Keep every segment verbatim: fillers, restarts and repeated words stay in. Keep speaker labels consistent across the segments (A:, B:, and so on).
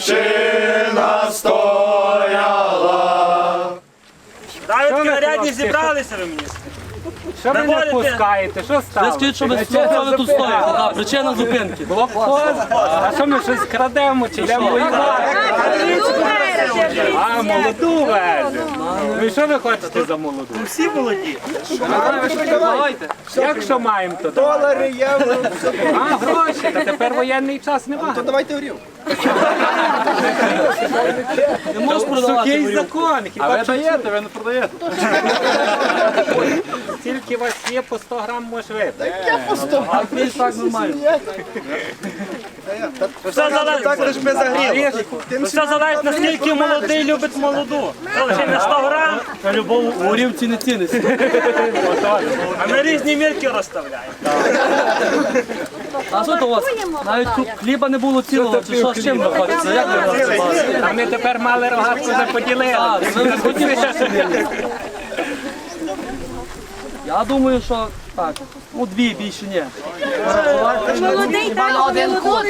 A: дівчина стояла.
B: Навіть нарядні зібралися ви мені.
C: Що ви не пускаєте? Що
D: Ви
C: стало?
D: скажіть, що ви що ви тут стоїте? Така причина зупинки.
C: А що ми щось крадемо чи йдемо воювати? А, молоду веземо. Ну і що ви хочете за молоду?
B: Всі молоді.
D: Давайте.
C: Як що маємо то?
A: Долари, євро.
C: А, гроші, та тепер воєнний час немає.
A: То давайте горів.
D: Не можеш продавати
C: Сухий
D: горілку.
C: закон. Хіба що
A: даєте, ви не продаєте.
C: тільки у вас є по сто грам може випити.
D: А більш так нормально.
B: Все залежить,
A: Так лиш би загрів.
B: все залежить, наскільки молодий любить молоду. Це лише не сто грам, а любов.
D: Горівці не ціниться.
B: А ми різні мірки розставляємо.
D: А що то у вас? Навіть тут хліба не було цілого, чи що з чим ви хочете? Як ви розбиваєте?
C: А ми тепер мали рогатку вже поділили.
D: Так, ви не хотіли ще собі. Я думаю, що так, ну дві більше ні.
E: Молодий так, на один кут.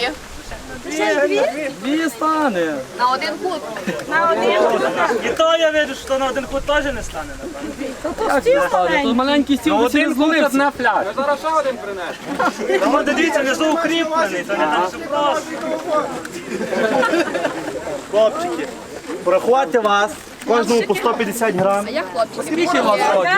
D: Дві стане.
E: На один кут.
B: І то я вірю, що на один кут теж не стане, напевно.
D: Як не стане? Тут маленький стіл, ви
C: Один
D: не
C: кут
D: зловився.
C: одна пляшка.
B: Ну, дивіться, внизу укріплений, це не так все просто.
F: Хлопчики, порахувати вас, кожному по сто п'ятдесят грам.
E: А як хлопчики?
D: Скільки вас років?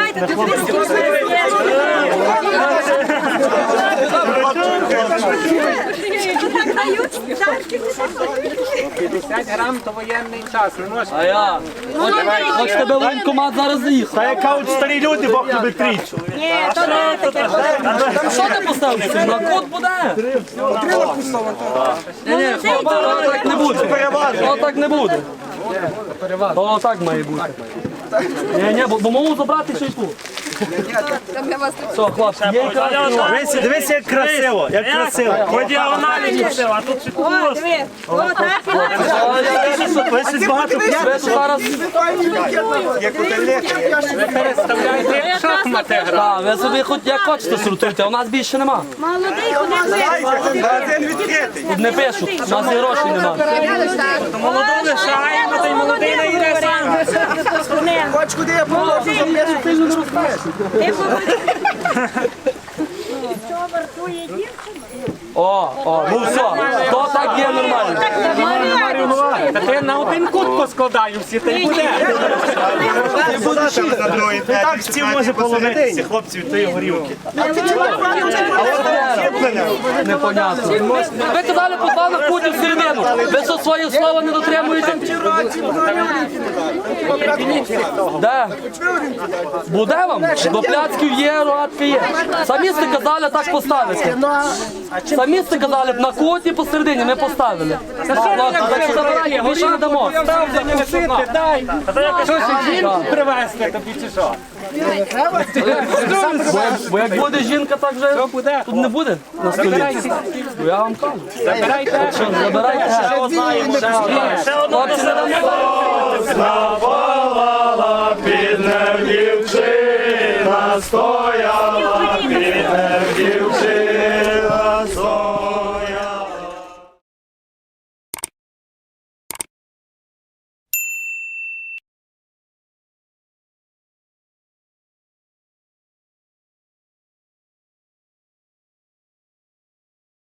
C: п'ятдесят грам то воєнний час. Не можна.
D: А я? Хоч тебе воєнкомат зараз заїхав.
F: Та як кажуть старі люди, Бог любить трійцю.
D: Що ти поставив? На кут буде? Ні, ні, хлопці, так не буде. То так не буде. То так має бути. Ні, ні, бо, бо можу забрати ще й тут.
E: Там я вас
D: Все, хлопці, є якраз.
F: Дивися, дивися, як красиво, як красиво.
B: По діагоналі красиво, а тут ще кукурузка.
F: Ви щось багато
D: Ви тут зараз,
C: Ви переставляєте як шахмати грати.
D: так, ви собі хоч як хочете сортуйте, а у нас більше нема.
E: молодий,
D: Тут не пишуть, у нас і грошей нема.
B: Молоду лишаємо, та й молодий не йде сам.
A: Хоч куди я положу, запишу, ти ж не розумієш.
D: О, о, ну все, то так є нормально.
C: Та ти на один кут поскладаю всі, та й буде.
F: Так стіл може половити ці хлопці від тої горілки.
D: Непонятно. Ви казали по два на куті всередину. Ви що, своє слова не дотримуєте? Де? Буде вам? До пляцків є, рогатки є. Самі сте казали так поставити. Самі сте казали б на куті посередині, ми поставили. Хлопці, так що забирайте, більше не дамо.
C: Став закусити, дай. Що ж, жінку привезти тобі чи що?
D: Бо як буде жінка, так вже
C: Що буде?
D: тут не буде на столі. Бо я вам кажу.
C: Забирайте.
D: Що, забирайте.
B: Ще одну
D: Хлопці, не дамо.
A: Запалала під ним дівчина стояла.